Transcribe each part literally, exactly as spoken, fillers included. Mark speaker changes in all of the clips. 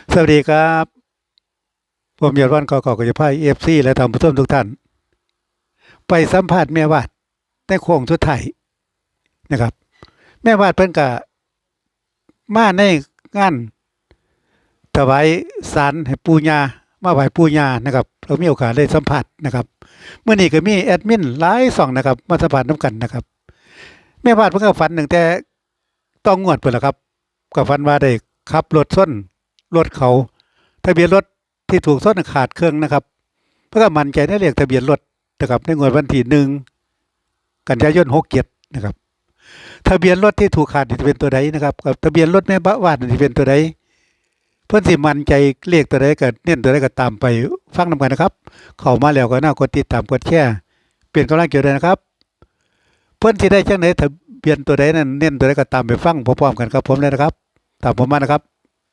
Speaker 1: สวัสดีครับผมยอดวันกอกกจะพายเอฟซีและท่านผู้ชมทุกท่านไปสัมภาษณ์แม่วาดในโค้งสุดท้ายนะครับแม่วาดเพิ่นก็มาในงานถวายสารให้ปู่ย่ามาไหว้ปู่ย่านะครับเรามีโอกาสได้สัมผัสนะครับเมื่อนี้ก็มีแอดมินหลายสองนะครับมาสัมผัสน้ำกันนะครับแม่วาดเพิ่นก็ฝันตั้งแต่ต้องงวดเพิ่นล่ะครับก็ฝันว่าได้ขับรถส้นรถเขาทะเบียนรถที่ถูกส้นขาดเครื่องนะครับเพื่อมั่นใจในเลขทะเบียนรถนะครับในงวดวันที่หนึ่งกันยายนหกเจ็ดนะครับทะเบียนรถที่ถูกขาดจะเป็นตัวใดนะครับกับทะเบียนรถแม่บ้านจะเป็นตัวใดเพื่อนสิมั่นใจเลขตัวใดก็เน้นตัวใดก็ตามไปฟังนำกันนะครับเข้ามาแล้วก็น่ากดติดตามกดแชร์เปลี่ยนกำลังใจด้วยนะครับเพื่อนที่ได้จังไหนทะเบียนตัวใดนั้นเน้นตัวใดก็ตามไปฟังพร้อมๆกันครับผมเลยนะครับตามผมมานะครับ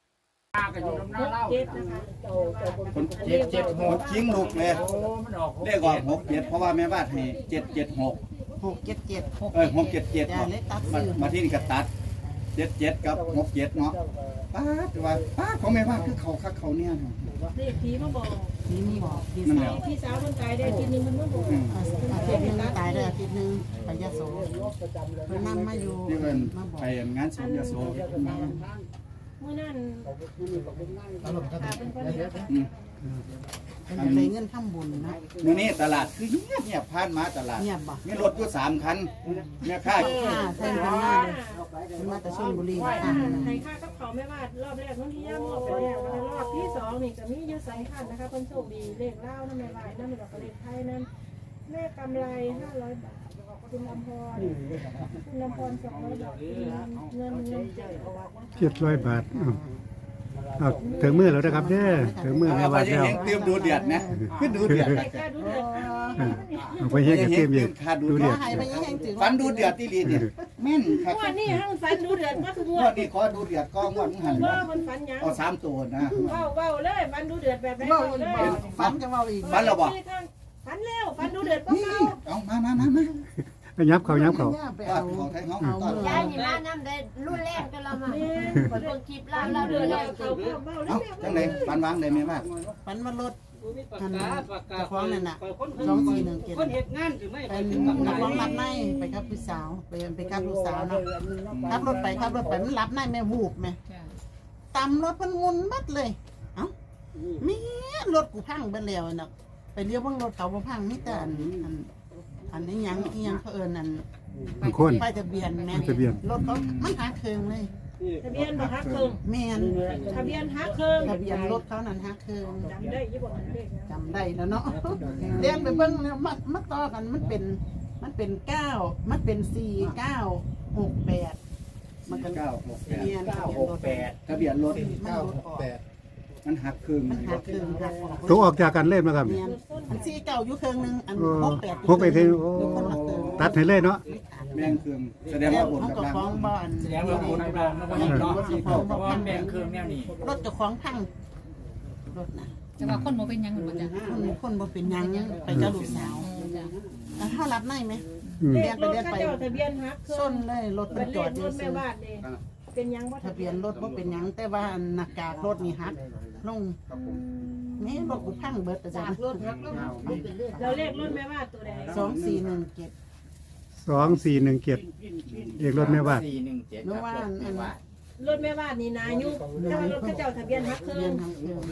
Speaker 2: คนเจ็ดเจ็ดหกทิ้งลูกเลยเลขออกหกเจ็ดเพราะว่าแม่บ้านให้เจ็ดเจ็ดหก
Speaker 3: หกเจ็ดเจ็ด
Speaker 2: เออหกเจ็ดเจ็ดมามาที่นี่ก็ตัดเจ็ดเจ็ดกับหกเจ็ดเนาะป้าแต่ว่าป้าของแม่บ้านคือเขาคักเขาเนี่ย
Speaker 4: เลขผีมาบอก
Speaker 3: นี่มีบอกพี่
Speaker 2: นั่น
Speaker 3: สา
Speaker 2: แห
Speaker 3: ว
Speaker 2: ละ
Speaker 4: พี่สาวคนตายได้ทีนึงมันมาบอก
Speaker 3: อาทิตย์หนึงตายเลยอาทิตย์หนึงไปยะโสเพิ่นนำมาอยู่
Speaker 2: นี่เป็น
Speaker 3: มาบอก
Speaker 2: ไปงานสุนยโส
Speaker 4: เมื่อนั้นตาเป็นคนเดียว
Speaker 2: อืม
Speaker 3: เป็นอะไรเงินทำบุญนะ
Speaker 2: มื้อนี้ตลาดคือเงียบเงียบผ่านมาตลาด
Speaker 3: เงียบบ่
Speaker 2: มีรถอยู่สามคันแม่ค้า
Speaker 3: ค่าแทนเพิ่นมาเลยเพิ่นมาแต่ชลบุรี
Speaker 4: ว่า
Speaker 3: ค่ะ
Speaker 4: ให้ค่ากับเขาไม่ว่ารอบแรกน้องที่ย่ามอบไปแล้วรอบที่สองนี่จะมียืดสายขันนะคะคนโชคดีเลขเล่านั่นไม่ไหวนั่นไม่ดอกเลขไทยนั่นแม่กำไรห้าร้อยบาทคุณลำพรคุณลำพรสองร้อยบาทเงินเงินเจ็ด
Speaker 1: เจ็ดร้อยบาทอ้าวเอาถึงมือแล้วนะครับเด้อถึงมือแม่
Speaker 2: เอาไป
Speaker 1: วาดแล้ว
Speaker 2: เฮงเตรียมดูเดือดนะคือดูเดือด
Speaker 4: ใครกล้าดูเดือด
Speaker 1: เอาไปเฮ็ดกับเต็มอยู่ดู
Speaker 3: ข
Speaker 1: เดื
Speaker 3: อ
Speaker 1: อด
Speaker 3: ให้ไปยังถือ
Speaker 2: ฟันดูเดือดที่ลีเนี่ยแม่นครับ
Speaker 4: งวดนี้ห้างฟันดูเดือดก็คือง
Speaker 2: ง
Speaker 4: ว
Speaker 2: ว
Speaker 4: ด
Speaker 2: ดนี้ขอดูเดือดก็งวดมึงหัน
Speaker 4: ว่าคนฟันยัง
Speaker 2: เอาสามตัวนะ
Speaker 4: เว้าเว้าเลยฟันดูเดือดแบบไหน
Speaker 3: เว้า
Speaker 4: เว้า
Speaker 3: อี
Speaker 4: เล
Speaker 3: ก
Speaker 4: ย
Speaker 3: บ่ฝันจะเว้าอีก
Speaker 2: ฟันแล้วบ่
Speaker 4: ฟันแล้วฟันดูเดือดก็
Speaker 2: นี่
Speaker 4: เมา
Speaker 2: เอามามามามา
Speaker 1: ไปยับเขายับเขา
Speaker 3: ไป
Speaker 2: ตอ
Speaker 3: เอา
Speaker 2: ดเขาไทยเขา
Speaker 3: เอา
Speaker 2: ตอด
Speaker 3: มื
Speaker 5: ยายนี่มาน้ำได้รุ่นแรกกันแล้วมาเบิ่งคลิปเราเรา
Speaker 4: เดื
Speaker 5: เดื
Speaker 4: อ
Speaker 5: อ
Speaker 4: ด
Speaker 5: ด
Speaker 4: แล้
Speaker 5: แล้ว ว
Speaker 4: เขาเว้า
Speaker 2: เอ้าจังไหนฟันวางได้ไหมบ้าง
Speaker 3: ฝันว่ารถอันเจ้าของนั่นน่ะสองสี่หนึ่งเจ็ด
Speaker 6: คนเหตุงานหรือไม่
Speaker 3: เป็นนักร้องรับในไปกับพี่สาวไปไปกับลูกสาวเนาะขับรถไปขับรถไปมันรับในแม่วูบแม่ตำรถมันงุนบัดเลยเอ้ามีรถกูพังไปแล้วน่ะไปเลี้ยวเบิ่งรถเขาบ่พังมีแต่อันอันอันนี้ยังอีหยังเขาเอิ้นอัน
Speaker 1: บางคน
Speaker 3: ป้ายทะเบียนแม่
Speaker 1: ทะเบียน
Speaker 3: รถเขามันหาเครื่องเลย
Speaker 4: ทะเบียนบ่ฮักเคิง
Speaker 3: แม่น
Speaker 4: ทะเบียนฮักเคิง
Speaker 3: ทะเบียนรถเขานั่นหาเครื่อง
Speaker 4: จำได้ยี่บ่เลขนะ
Speaker 3: จำได้แล้วเนาะเรียนไปเบิ่งแล้วมันมันต่อกันมันเป็นมันเป็นเก้ามันเป็นสี่เก้าหกแปดมันก็
Speaker 2: เก้าหกแปด
Speaker 3: เรียน
Speaker 2: เก้าหกแปดทะเบียนรถ
Speaker 3: มันรถออก
Speaker 2: มันหักครึ่ง
Speaker 3: มันหาเครื่องหักออก
Speaker 1: ตัวออกจากกันเล่นมาครับ
Speaker 3: เรียนอันสี่เก้าอยู่เครื่องหนึงอัน
Speaker 1: โอ้
Speaker 3: หกแปด
Speaker 1: หกไปถึงโอ้
Speaker 3: อยู่คนละเครื่อง
Speaker 1: ตัดให้เลยเนาะ
Speaker 2: แม่งครึ่งแสดง
Speaker 3: แล้
Speaker 2: ว่าว บน
Speaker 3: เขา
Speaker 2: กับ
Speaker 3: ก็
Speaker 2: ล่าง
Speaker 3: ฟ้องบ้าน
Speaker 6: แสดงว่าคนกลางแล้วก็ยังเนาะเพราะว่าแบ่งเครื่องแนวนี้
Speaker 3: รถเจ้าของพังรถน่ะ
Speaker 5: จะว่าคนบ่เป็นยังหรือบ่จ้ะ
Speaker 3: คนคนบ่เป็นหยังไปเจ้าลูกสาวแล้วถ้ารับได้ไหม
Speaker 1: อืม
Speaker 4: เลขรถข้าเจ้าทะเบียนฮักเคิ
Speaker 3: ส้
Speaker 4: ง
Speaker 3: นเลยรถมั
Speaker 4: เป็น น
Speaker 3: จ
Speaker 4: เล
Speaker 3: อ
Speaker 4: ข
Speaker 3: ดอ
Speaker 4: ร
Speaker 3: ยู่
Speaker 4: ถแม่
Speaker 3: ซื่อ
Speaker 4: บ้านเด้เป็นยังบ่
Speaker 3: ทะเบียนรถบ่เป็นหยังแต่ว่าหน้ากากรถนี่หักลงนี่รถกูพังเบิดแต่จ้ะ
Speaker 5: รถฮักแล้วมันเป็นเรื่อง
Speaker 4: เราเลขรถแม่บ้านตัวใด
Speaker 3: สองสี่หนึ่งเจ็ด
Speaker 1: สองสี่หนึ่งเจ็ดเอกรถแม่วาด
Speaker 6: สี่หนึ่งเจ็ด
Speaker 3: นึกว่าอันอัน
Speaker 4: รถแม่บ้านนี่นายุแต่ว่ารถข้าเจ้าทะเบียนฮักเคิ
Speaker 3: เรีย
Speaker 4: ง
Speaker 3: นทางเครื่อง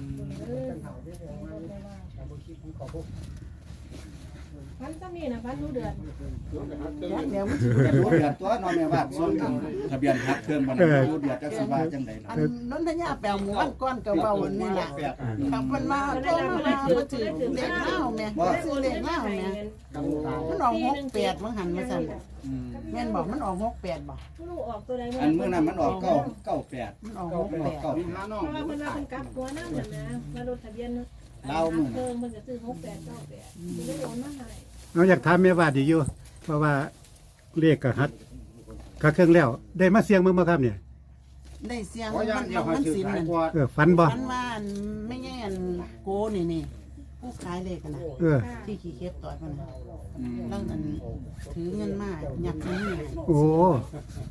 Speaker 4: พันซ้ำนี่นะพันดูเดือด
Speaker 3: ยักเดี๋ยวมัน
Speaker 2: จะรู้เดือดตัวนอนแม่บ้านส่วนหนึ่งทะเบียนหักเครื่องมันรู้เดือดจักสิว่าจังใด
Speaker 3: อันนนทยาแปลหมู่บ้านก้อนกับเบาอันนี่แหละครับมันมาโทรมามาบ่ถือเลขเล่าแม่ซื้อเลขเล่าแม่มันออกหกแปดมันหันมาสั่นแม่นบอกมันออกหกแปดบอก
Speaker 4: ผู้ลูกออกตัวใด
Speaker 2: อันเมื่อนั้นมันออกเก้าเก้าแปด
Speaker 3: มันออกหก
Speaker 2: มันอ
Speaker 3: แป
Speaker 2: อก
Speaker 3: ด
Speaker 2: เก้า
Speaker 4: เพราะว่าเพิ่นว่าเพิ่นกลับหัวน้ำเหมือนนะมารถทะเบียนเคิงมันจะซื้อหกแปดเก้าแปดมันได้โอนมาให้
Speaker 1: เราอยากถามแม่วาดอีกอยู่เพราะว่าเลขกับฮัดกับเครื่องแล้ว ได้มาเสียงมึงบ่ครับเนี่ย
Speaker 3: ได้เสียงมันเอามันสินนั่น
Speaker 1: เออฝันบ่
Speaker 3: มันว่าอันไม่แง่นโกนี่นี่ผู้ขายเลขกันนะ
Speaker 1: เออ
Speaker 3: ที่ขี่เก็บต่อยมันนะแล้วนั่นถือเงินมาหยักนี้ไง
Speaker 1: โอ้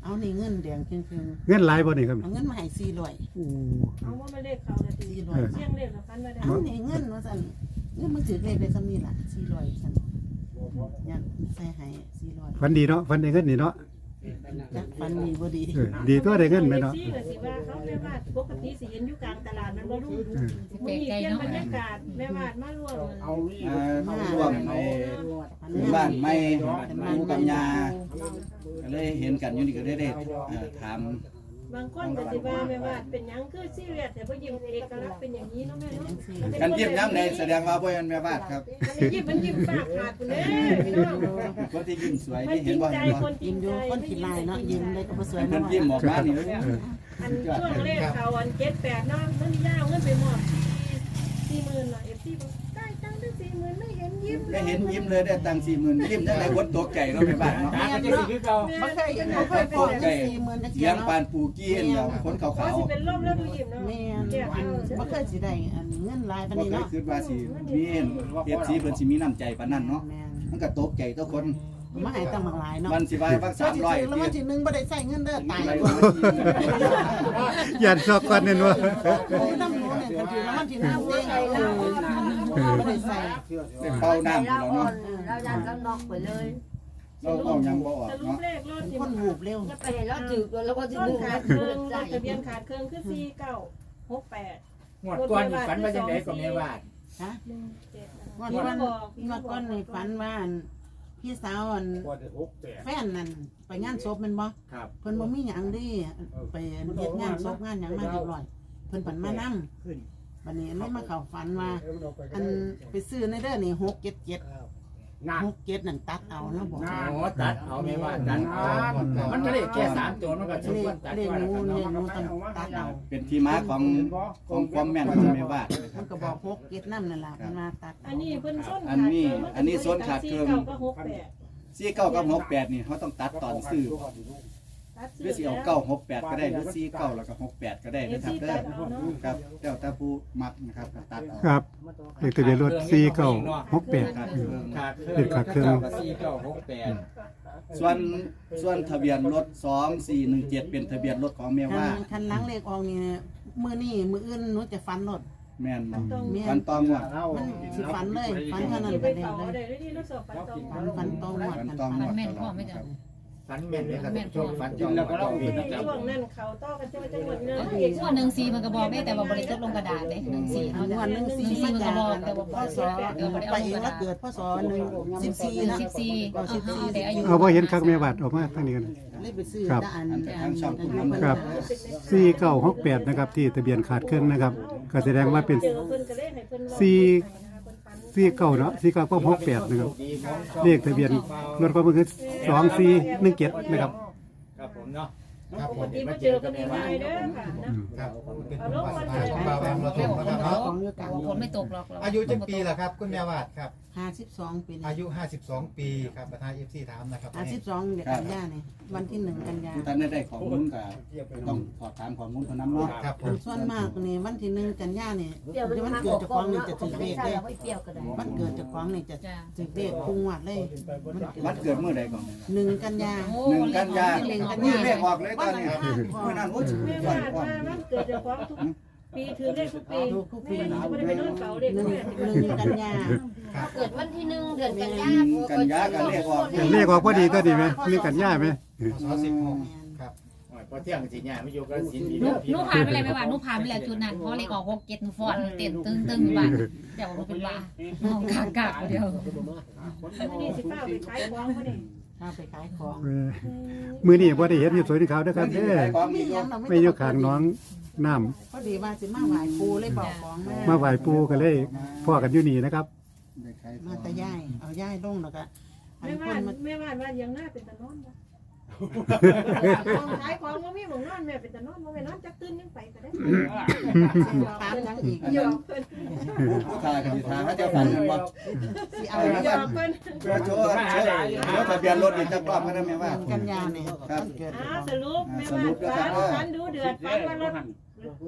Speaker 3: เอานี่เงินแดงครึ่ง
Speaker 1: เงินหลายบ่นี่ครับ
Speaker 3: ๆเอาเงินมาให้สี่ร้อย
Speaker 1: โอ้
Speaker 4: เอาว่ามาเลขเขานาที
Speaker 3: สี่ร้อย
Speaker 4: เสียงเลขกับฟันมาได้
Speaker 3: เอานี่เงินว่าซั่นเงินมันถือเลขได้ซ้ำนี่ล่ะสี่ร้อยซั่นยันใส่ให้สี่ร้อย
Speaker 1: ฝันดีเนาะฝันได้เงินนี่เนาะ
Speaker 3: จักฟันมีบ่ดี
Speaker 1: เออดีตัวได้เงินไหมเนาะ
Speaker 4: ซี่ก็สิว่าเขาแม่วาดปกติสิเห็นอยู่กลางตลาดมันบ่รู้มีเปลี่ยนบรรยากาศแม่วาดมาร่วม
Speaker 2: อ่าร่วมในบ้านไม่ปูกับยาก็เลยเห็นกันอยู่นี่ก็ได้ได้เอ่อถาม
Speaker 4: บางคนก็สิว่าแม่วาดเป็นหยังคือซีเรียสแต่บ่ยิ้มเอกลักษณ์เป็นอย่างนี้เนาะแม่เนาะ
Speaker 2: กันยิ้มย้ำในแสดงว่าบ่แม่นแม่บ้านครับ
Speaker 4: มันยิ้มมันยิ้มปากขาดพุ่นเด้พี่น้อง
Speaker 2: คนที่ยิ้มสวย
Speaker 4: มัน
Speaker 2: นี่
Speaker 4: จ
Speaker 2: เห็
Speaker 4: ริ
Speaker 2: น
Speaker 4: ง
Speaker 2: บ่
Speaker 4: ใจ
Speaker 2: เห็นบ่
Speaker 4: คนจริ
Speaker 3: ยิ้
Speaker 4: ง
Speaker 3: มอ
Speaker 4: ใจ
Speaker 3: ยู่คนขี้ลายเนาะยิ้มได้ก็บ่สวย
Speaker 2: เพิ่น
Speaker 3: เนาะ
Speaker 2: ยิ้มออกมานี่
Speaker 4: อันช่วงเลขเขาอันเจ็ดแปดเนาะมันยาวเงินไปหมดสี่หมื่นเนาะ เอฟ ซี บอกได้ตังค์ตั้งสี่หมื่นไม่เห็นยิ้มเล
Speaker 2: ได้
Speaker 4: ย
Speaker 2: เห็นยิ้มเลยได้ตังค์สี่หมื่นยิ้มจังได๋คนตกใจเนาะแม่บ้านเนาะ
Speaker 6: ตาก็จะสิคือเก่า
Speaker 3: บ่เคยบ่เคยพอเงินสี่หมื่นจัก
Speaker 2: เสี
Speaker 3: เที่
Speaker 2: ย
Speaker 3: ย
Speaker 2: ง
Speaker 3: เนาะ
Speaker 2: ปานปูกี้เห็นแล้วคนขา
Speaker 4: เขา
Speaker 2: ว
Speaker 4: สิเป็นลมแล้วดูยิ้มเนาะ
Speaker 3: แม่น
Speaker 4: แก้
Speaker 3: อัน
Speaker 4: เอา
Speaker 3: บ่เคยสิได้อันเงินหลายปาน
Speaker 2: ๆบ่
Speaker 3: นี้
Speaker 2: เคย
Speaker 3: เนาะ
Speaker 2: คิดว่าสิมี เอฟ ซี เพิ่นสิมีน้ำใจปานนั้นเนาะ
Speaker 3: แม่น
Speaker 2: มันก็ตกใจทุกคน
Speaker 3: มาให้ตั้งหลายเนาะ
Speaker 2: มันสิว่าว่า
Speaker 3: สามร้อย
Speaker 2: สามร้อย
Speaker 3: แล้ววันที่หนึ่งบ่ได้ใส่เงินเด้อตาย
Speaker 2: ไป
Speaker 3: กว่า
Speaker 1: ยันซอกก่อนนั่นว่า
Speaker 3: โอ้ยน้ำหนูเนี่ยคันถือแล้ววันที่หนึ่งเด้งบ่ได้ใส่
Speaker 2: เป่าน้ำ
Speaker 5: เรา
Speaker 2: แล้ว
Speaker 5: อ่อ
Speaker 2: เนาะ
Speaker 5: นเรายันก็นอกไปเลย
Speaker 2: เราเอายังบ่ออก
Speaker 4: สรุป
Speaker 2: เนาะ
Speaker 4: เลขรถที่
Speaker 3: คนหูบเร็ว
Speaker 5: จะไปเห็นเราถือแล้วก็จะ
Speaker 4: ต้น
Speaker 5: ดึง
Speaker 4: ขา
Speaker 5: มา
Speaker 4: ดเค
Speaker 5: เดิ
Speaker 4: รื่อง
Speaker 5: นใจ
Speaker 4: ทะเบียนขาดเครื่องคือสี่เก้าหกแปด
Speaker 6: หมดก่อนนี่ฝันว่าจังได๋ก็แม่วาด
Speaker 3: ฮะ
Speaker 4: หนึ่งเจ็ด
Speaker 3: วันวันวันก่อนนี่ฝันว่าอันพี่สาวอันแฟนนั่นไปงานศพแม่นบ่
Speaker 6: ครับ
Speaker 3: เพิ่นบ่มีหยังดีไปเฮ็ดงานศพงานหยังมาเรียบร้อยเพิ่นปันมานำบัดนี้เลยมาเข้าฝันว่าอันไปซื้อในเด้อนี่หกเจ็ดเจ็ด
Speaker 6: น่ะ
Speaker 3: หกเจ็ดนั่นตัดเอาแล้วบอก
Speaker 6: อ๋อตัดเอาแม่วาดตัดเอามันก็ได้แค่สามตัวมันก็สม
Speaker 3: เล
Speaker 6: คว
Speaker 3: ข
Speaker 6: รตัด
Speaker 3: เลข
Speaker 6: ว่า
Speaker 3: หนู
Speaker 6: แล้ว
Speaker 3: เล
Speaker 6: กัน
Speaker 3: ขหนู
Speaker 6: เนาะ
Speaker 3: ต้องตัดเอา
Speaker 2: เป็นที่มาของของความแม่นของแม่บ้าน
Speaker 3: มันก็บอกหกเจ็ดนำนั่นล่ะมันมาตัด
Speaker 4: อันนี้เพิ่นส้น
Speaker 2: อันนี้อันนี้ส้นขาดเครื่อง
Speaker 4: สี่เก้าก็หกแปด
Speaker 2: สี่เก้ากับหกแปดนี่เขาต้องตัดตอนซื้อ
Speaker 4: ตัด
Speaker 2: หรือสิเอาเก้าหกแปดก็ได้หรือสี่เก้าแล้วก็หกแปดก็ได้
Speaker 4: เอ
Speaker 2: นะ
Speaker 4: ฟ
Speaker 2: ครับ
Speaker 4: ซี
Speaker 2: เด้
Speaker 4: ตั
Speaker 2: อ
Speaker 4: ดเอาเนาะ
Speaker 2: ครับแล้วแต่ผู้มักนะครับก็ตัดเอา
Speaker 1: ครับเลขทะเบียนรถสี่เก้าหกแปด
Speaker 2: ขาดเครื่อง
Speaker 6: ขาดเค
Speaker 1: เด็กขาดเครื่อง
Speaker 6: สี่เก้าหกแปด
Speaker 2: ส่วนส่วนทะเบียนรถสองสี่หนึ่งเจ็ดเป็นทะเบียนรถของแม่
Speaker 3: คั
Speaker 2: ว่า
Speaker 3: นคันหล้างเลขออกนี่มื้อนี้มื้ออื่นหนูจะฟันรถ
Speaker 2: แม่นบ่
Speaker 4: ต้อง
Speaker 3: แม่
Speaker 2: ฟันตองว่า
Speaker 3: มันสิฟันเลยฟันเท่านั้น
Speaker 4: ที่
Speaker 3: ไป
Speaker 4: ไป
Speaker 3: ได้
Speaker 4: เฝ้า
Speaker 3: เลย
Speaker 4: ได้ด้วยที่เราสอบปัดตรง
Speaker 3: ฟันฟันตรงหมด
Speaker 2: ฟัน
Speaker 3: กัน
Speaker 2: ตอง
Speaker 3: ฟัน
Speaker 2: ว่า
Speaker 7: แม่นพ่อไม่จ้ะ
Speaker 6: ฝันแม่นเลยครับท่านผู้ชมฝันจริงแล้วก็เราเป็นประจำ
Speaker 4: ช่วงนั้นเขาต้อกันจะจังหวัดเนื้อ
Speaker 7: อีกส่วนหนึ่งสีมันก็บอกได้แต่ว่าบริจาคลงกระดาษเลยหนึ่งสี
Speaker 3: อั
Speaker 7: เนาะ
Speaker 3: นวันหนึงสี่
Speaker 7: สี
Speaker 3: มา
Speaker 7: มัน
Speaker 3: จา
Speaker 7: ก็
Speaker 3: ก
Speaker 7: บอกแต่ว่า
Speaker 3: พ่อสอไปเองแล้วเกิดพ่อสอหนึ่งสิบสี่นะ
Speaker 7: สิบสี่เอาสิบสี่แต่อายุ
Speaker 1: เอาบ่เห็นคักแม่บาดออกมาทางนี้กัน
Speaker 3: เลยไปซื้อ
Speaker 1: ครับ
Speaker 3: ตาอัน
Speaker 2: ทางช่องผม
Speaker 1: ครับสี่เก้าหกแปดนะครับที่ทะเบียนขาดเครื่องนะครับก็แสดงว่าเป็น
Speaker 4: เจอเพิ่นก็เลยให้เพิ่น
Speaker 1: สี่ สี่เก้าเนาะสี่เก้าก็หกแปดนะครับเลขทะเบียนรถก็มันคือสองสี่หนึ่งเจ็ดนะครับ
Speaker 6: ครับผมเนาะ
Speaker 4: ปกติมาเจอกันง่ายๆเด้อค่ะนะ
Speaker 8: ครับเป็น
Speaker 4: เอา
Speaker 8: บุ
Speaker 4: ล
Speaker 8: ญ
Speaker 4: ง
Speaker 8: วา
Speaker 4: มา
Speaker 8: ส
Speaker 4: เจ
Speaker 8: นา
Speaker 4: อ
Speaker 8: ของ
Speaker 4: กัน
Speaker 8: บ่าวแอมเราทงนะครับ
Speaker 3: ขอ
Speaker 8: เนาะ
Speaker 3: งอยู่กลาง
Speaker 7: ฝนไม่ตกหรอก
Speaker 8: อายุจักปีล่ะครับ คุณแม่วาดครับ
Speaker 3: ห้าสิบสองปี
Speaker 8: อายุห้าสิบสองปีครับประธาน เอฟ ซี ถามนะครับ
Speaker 3: ห้าสิบสองเดือนกันยาเนี่ยวันที่หนึ่งกันยา
Speaker 2: ผู้ท่านได้ได้ข้อมูลก็ต้องสอบถามข้อมูลเท่านั้นเนาะ
Speaker 8: ครับผม
Speaker 3: ส่วนมากนี่วันที่หนึ่งกันยาเนี่ย
Speaker 5: เดี๋ยวมัน
Speaker 3: มัน
Speaker 5: มา
Speaker 3: เกิ
Speaker 5: บ
Speaker 3: ด
Speaker 5: อก
Speaker 3: จาก
Speaker 5: ก
Speaker 3: ข
Speaker 5: อ
Speaker 3: อง
Speaker 5: ง
Speaker 3: นี่
Speaker 5: เนาะ
Speaker 3: จะ
Speaker 5: ถึ
Speaker 3: ถื
Speaker 5: ง
Speaker 3: อ
Speaker 5: เล
Speaker 3: เล
Speaker 5: ข
Speaker 3: ข
Speaker 5: ได้
Speaker 3: ได้
Speaker 5: ไม่เปรี้ยวก็ได้
Speaker 3: มันเกิดจากของนี่จะ
Speaker 7: จ้ะ
Speaker 3: ถือเลขพุ่งวัดเลย
Speaker 2: วันเกิดเมื่อใดก่อน
Speaker 3: หนึ่งกันยา
Speaker 7: โอ้
Speaker 2: หนึ่งกันยา
Speaker 7: เลี้ยง
Speaker 3: กัน
Speaker 2: มื
Speaker 3: ยา
Speaker 2: อเลขออกเลยตอนนี้มือนั้นโอ้ย
Speaker 4: แม่
Speaker 2: ก่อ
Speaker 4: ว่าน
Speaker 2: ก่อน
Speaker 4: ว่ามันเกิดจากความทุกปีถือเลขทุกปีแม่ไม่ได้ไปนอนเฝ้าเลข
Speaker 3: หนึ่ง
Speaker 4: แม่
Speaker 3: หนึ่งกันยา
Speaker 5: เกิดวันที่หนึ่งเดือนกันยา
Speaker 2: กันยากันเลขออก
Speaker 1: เลขออกพอดีตัวดีไหมเลขกันย่าไหม
Speaker 8: สอสิบหกครับ
Speaker 6: พอเที่ยงสิเนี่ยไม่อยู่กับสินดี
Speaker 7: หนู
Speaker 6: เด้อ
Speaker 7: หนูผ่านไปแล้วไม่ว่าหนูผ่านไปแล้วจุดนั้นเพราะเลขออกหกเจ็ดหนูฟอนเต้นตึงตึงอยู่บ้านแต่ว่าหนูเป็นบ้าน้องกากากเดียว
Speaker 4: นี่สิฟ้าไปขายของเขาเนี่ย
Speaker 3: ข้าไปขายของ
Speaker 1: เออมือนี่บ่ได้เห็นอยู่สวยที่เขาเด้อครับเด้อ
Speaker 2: ของ
Speaker 3: มี
Speaker 2: อีก
Speaker 3: หยังเรา
Speaker 1: ไม่อยู่ข้างน้องน้ำ
Speaker 3: พอดีว่าสิมาไหว้ปูเลยบอกของแม่
Speaker 1: มาไหว้ปูก็เลยพ่อกันอยู่นี่นะครับ
Speaker 3: มาแต่ย่ายเอาย่ายลงแล้วก็อัน
Speaker 4: แม่
Speaker 3: ค
Speaker 4: ว่าน
Speaker 3: มา
Speaker 4: แม่ว่าว่ายังหน้าเป็นตะนอนบ่ขายของบ่มีหม่องนอนแม่เป็นตะนอนบ่แม่นอนจักตื่นยังไปก็ได้
Speaker 3: ตามยังอีก
Speaker 4: หยอกเพิ่น
Speaker 2: ผู้ผู้ทากันทาเขาจะฝันกันบ่
Speaker 3: สิเอา
Speaker 4: หยอกเพิ่น
Speaker 2: เพื่อโชว์โชว์โชว์ทะเบียนรถอีกจักรอบก็ได้ไหมว่า
Speaker 3: กันยาเนี่ยมันเกิด
Speaker 4: อ่าสรุปแม่ว่าฝันฝันดูเดือดฝันว่ารถ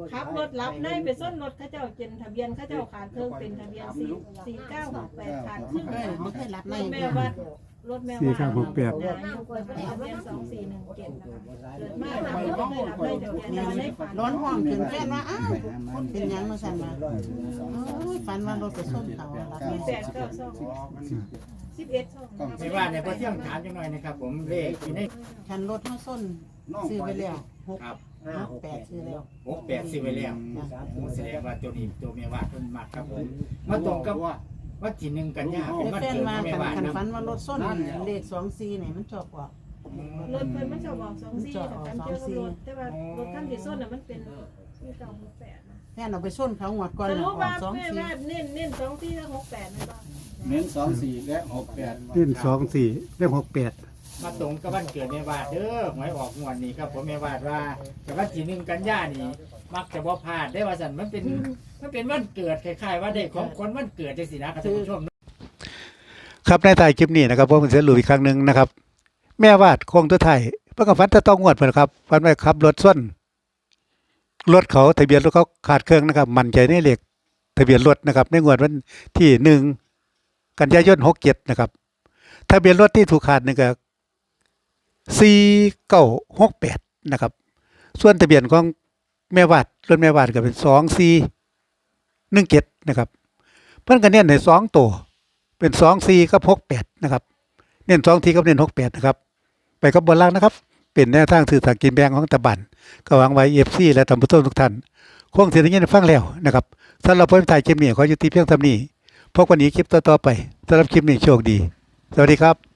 Speaker 4: ขับรถรับในไปส้นรถเขาเจ้าเจนทะเบียนเขาเจ้าขาดเครื่องเป็นทะเบียนสี่สี่เก้าหกแปดขาดครึ่ง
Speaker 3: เอ้ยบ่เคยรับใน
Speaker 4: รถแม่วัดรถแม่
Speaker 1: สี่
Speaker 4: วัด
Speaker 1: เก้าหกแปด
Speaker 4: ทะเบียนสองสี่หนึ่งเจ็ดนะคะเกิดมาหลังก็เคยรับในทะเบียนแต่ว่าในฝัน
Speaker 3: ร้อนห้องถึงแฟนว่าอ้าวคนเป็นหยังมาสั่นมาโอ้ยฝันว่ารถไปส้นเขารับ
Speaker 4: มีแปดเก้าสองสิบเอ็ดสอง
Speaker 6: ไม่ว่าในพระเที่ยงถามจังหน่อยนะครับผมเลขที่ใน
Speaker 3: คันรถเฮาส้นซื้อไปแล้วหก
Speaker 6: ครับ
Speaker 3: หกแปดซื้อแล้ว
Speaker 6: หกแปดสิบไปแล้วโอ้แสดงว่าตัวนี้ตัวเมียวาดเพิ่นมักครับผมมาตรงกับว่าที่หนึ่งกันยาเป็น
Speaker 3: แต่
Speaker 6: วัน
Speaker 3: แฟน
Speaker 6: เกิด
Speaker 3: มา
Speaker 6: เมีย
Speaker 3: คัน
Speaker 6: วาด
Speaker 3: คัน
Speaker 6: นะ
Speaker 3: ฝันว่ารถส้นเลขสองสี่นี่มันชอบกว่า
Speaker 4: รถเพิ่นมันชอบบอกสองสี่แต่การเจอกับรถแต่ว่ารถคันที่ส้นน่ะมันเป็นสี่เก้าหกแปดนะ
Speaker 3: แฟนเอาไปส้นเขาหวดก่อน
Speaker 4: ส
Speaker 3: น่ะ
Speaker 4: รุป
Speaker 3: ออ
Speaker 4: ว่าก
Speaker 3: สอง
Speaker 4: แม่
Speaker 3: สี่
Speaker 4: ว่าเน้นเน้นสองสี่และหกแปดนะบ้าง
Speaker 2: เน้นสองสี่และหกแปด
Speaker 1: เล่นสองสี่เล่นหกแปด
Speaker 6: มาตรงกับวันเกิดเมียวาดเด้อหวยออกงวดนี้ครับผมเมียวาดว่าแต่ว่าที่หนึ่งกันยานี่มักจะบ่พลาดได้ว่าสันมันเป็นมันเป็นวันเกิดคล้ายๆว่าได้ของคนวันเกิดจังซี่นะครับท่านผู้ชม
Speaker 1: ครับในท้ายคลิปนี้นะครับผมจะสรุปอีกครั้งหนึ่งนะครับ แม่วาดโค้งตัวไทายเพื่อกับฟันจะต้องงวดเพิ่นครับฟันไปขับรถส้นรถเขาทะเบียนรถเขาขาดเครื่องนะครับ มั่นใจในเลขทะเบียนรถนะครับในงวดวันที่หนึ่งกันยายนหกเจ็ดนะครับทะเบียนรถที่ถูกขาดนี่ก็สี่เก้าหกแปดนะครับ ส่วนทะเบียนของแม่วาดรถแม่วาดก็เป็นสองสี่หนึ่งเจ็ดนะครับเพิ่นก็เน้นในสองตัวเป็นสองสี่กับหกแปดนะครับเน้นสองทีกับเน้นหกแปดนะครับไปกับบนล่างนะครับ เป็นแนวทางสื่อสารกินแบงของตะบันก็หวังไว้เอฟซีและตำรวจทุกท่านคงเสียงยินฟังแล้วนะครับสำหรับผู้ถ่ายคลิปนี้ขอยุติเพียงเท่านี้พบกันอีกคลิปต่อๆไปสำหรับคลิปนี้โชคดีสวัสดีครับ